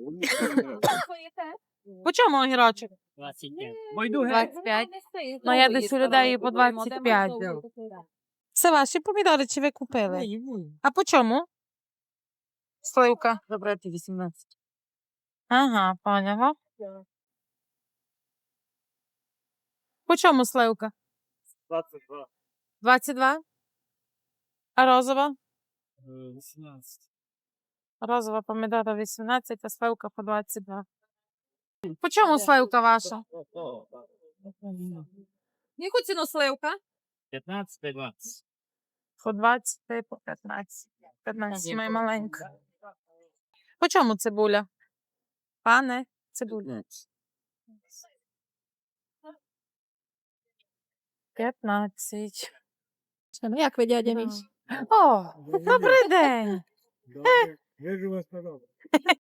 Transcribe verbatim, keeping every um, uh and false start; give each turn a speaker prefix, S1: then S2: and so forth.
S1: По чому огірочок?
S2: двадцять п'ять.
S1: двадцять п'ять. Ну, я десь у людей по двадцять п'ять. Це ваші помідори чи ви купили? А по чому? Сливка.
S2: Забрати вісімнадцять.
S1: Ага, поняла. По чому сливка?
S2: двадцять два.
S1: двадцять два? А розова?
S2: вісімнадцять.
S1: Розова помідора вісімнадцять, а сливка по двадцять два. По чому сливка ваша? Яку ціну сливка?
S2: п'ятнадцять та двадцять.
S1: По двадцять та по п'ятнадцять. п'ятнадцять моя маленька. По чому цибуля? Пане, цибуля. п'ятнадцять.
S3: Ну, як ви, дядя мій?
S1: О, добрий день.
S4: Вижу вас подобно.